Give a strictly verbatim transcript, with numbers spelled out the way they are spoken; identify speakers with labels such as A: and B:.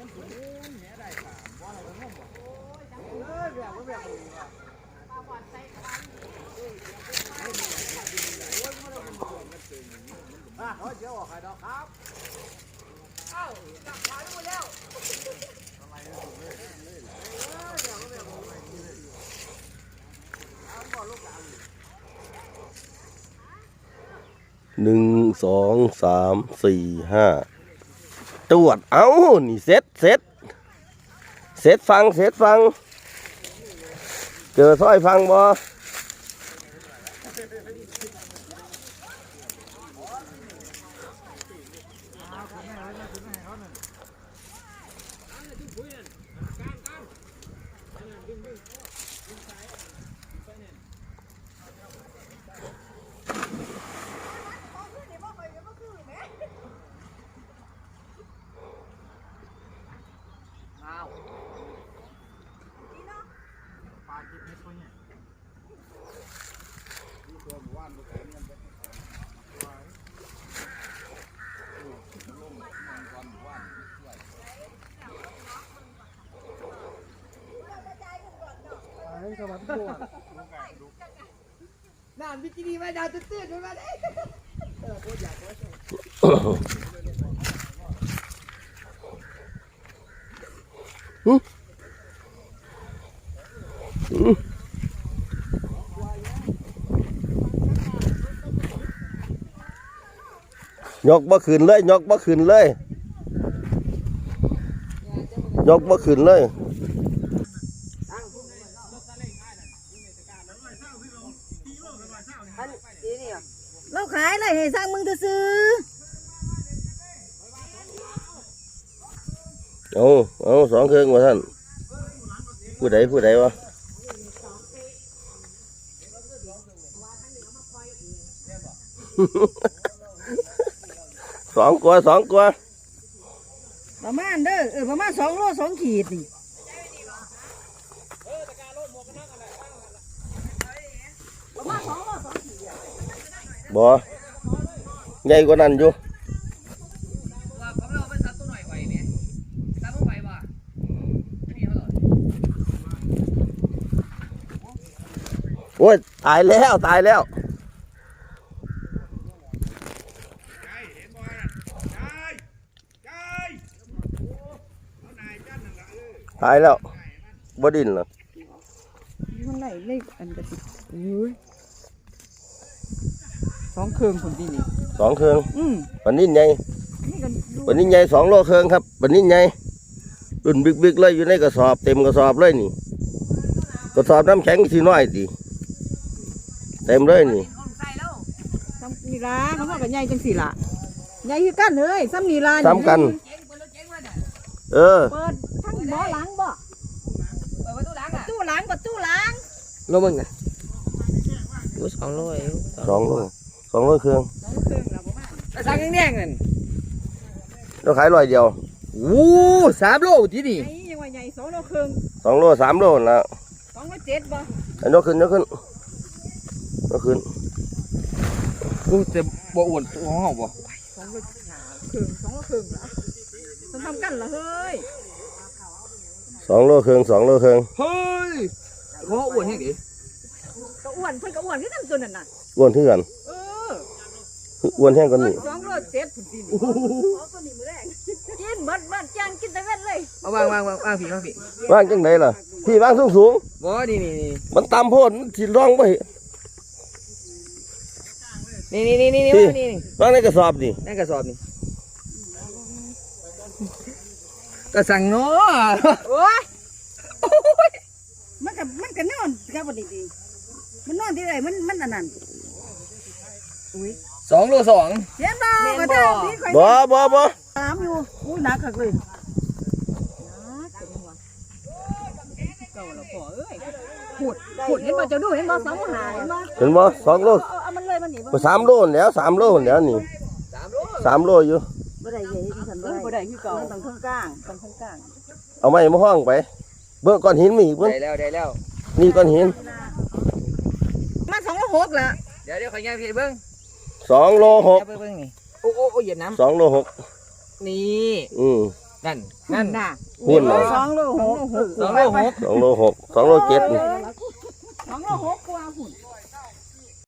A: หนึ่งสองสามสี่ห้าตรวจเอ้านี่เซ็ตเซ็ตเซ็ตฟังเซ็ตฟังเจอสร้อยฟังบ่
B: น้ำบิกินี่มาดาวตื้นๆมาได้เออโคตรอยากเลย
A: ยกบ่ขึ้นเลยยกบ่ขึ้นเลยยกบ่ขึ้นเลย
B: เราขายอะไรให้สร้างมึงซื้อ
A: เอาเอาสองเครื่องมาท่านผู้ใดผู้ใดวะสองกว่าสองกว่า
B: ประมาณเด้อเออประมาณสองโลสองขีดนี่ประมาณสองโลสองขีด
A: บ่ใหญ่กว่านั้นอยู่โอ้ยตายแล้วตายแล้วตายแล้วบ่ดินเหรอ
B: มันไหนเลขอันกระติกอุ้ยสองเครื่องคนที่นี่
A: สองเครื่อง
B: อืม
A: ปันนี้ใหญ่ปันนี้ใหญ่สองโลเครื่องครับปันนี้ใหญ่รุ่นบิ๊กๆเลยอยู่ในกระสอบเต็มกระสอบเลยนี่กระสอบน้ำแข็งสีน้อยสิเต็มเลยนี่
B: ซ้ำนีลาเขาบอกกันใหญ่จังสี่ละใหญ่คือกันเลยซ้ำนีลา
A: ซ้ำกันเออ
B: เปิดทั้งบ่อหลังบ่เปิดประตูหลังอ่ะประตูหลังประตูหลัง
C: โลมึงอ่ะกูสองโลเอง
A: สองโลสองโลเครื่อง
B: สองเครื่องแล้วประมาณ
C: แต่สั่งแดงๆนั่น
A: เราขายร้อยเดียว
C: โอ้สามโลที่นี่
B: ไอ้ยังว่าใหญ่สองโลเครื่อง
A: สองโลสามโลแล้ว
B: สองโลเจ็ดบ่
A: ไอ้นกขึ้นนกขึ้นนกขึ้น
C: กูจะบ่อ้วนของเขาบ่
B: สองโลเครื่องสองโลเครื่องละต้องทำกันเหรอเฮ้ย
A: สองโลเครื่องสองโลเครื่อง
C: เฮ้ยเขาอ้วนแค่ไหน
B: ก็อ้วนเพิ่นก็อ้วนที่ทำตัวนั่นน่ะ
A: อ้วนที่กัน
B: เออ
A: อ้วนแห้งกันนี่
B: สองโลเจ็ดถึงสี่นี่อ๋อตัวนี้มือแรกกินเบิดเบิดจ้างกินแต่เว้นเลย
C: เอาวางวางวางวางผีวางผี
A: วางจังไดล่ะพี่วางสูงสูง
C: บ่นี่นี่นี่
A: มันตามโพดสิร้องไป
C: นี่นี่นี่นี่นี่นี่
A: วางในกระสอบนี่
C: ในกระสอบนี่กระสังเนาะ
B: โอ้ยมันกับมันกับนอนกับวันดีๆมันนอนที่ไหนมันมันอันนั้นอุ้ย
C: สองโลสอง
B: เสียบ่ก็ได้
A: บ่บ่บ่
B: ตามอยู่อุ้ยหนักขักเลยขุดขุดเห็นบ่จะดูเห็นบ่สองหาเห็นบ่
A: เห็นบ่สองโล
B: เอามันเลยมันหนี
A: บ่สามโลแล้วสามโลแล้วนี่สามโลอยู่
B: บ่ได้ใหญ่ที่ฉันบ่ได้คือเก่าต้องข้างกลางต้องข้างกลาง
A: เอาไม้มาห้องไปเบิ่งก้อนหินมีอีกเบิ่ง
C: ได้แล้วได้แล้ว
A: นี่ก้อนหิน
B: มาสองโลหกละ
C: เดี๋ยวเดี๋ยวขอย้ายพี่เบิ่ง
A: สองโลหก
C: เบิ่งนี่โอ้โอ้โอ้เหยียบน้ำ
A: สองโลหก
C: นี่
A: อืม
C: นั่น
B: นั่
C: นั่
B: น
C: น
B: น่ะ
A: หุ้นเหรอ
B: สองโลหก
C: สองโลหก
A: สองโลหกสองโลเจ็ด
B: สองโลหกกว่าหุ่น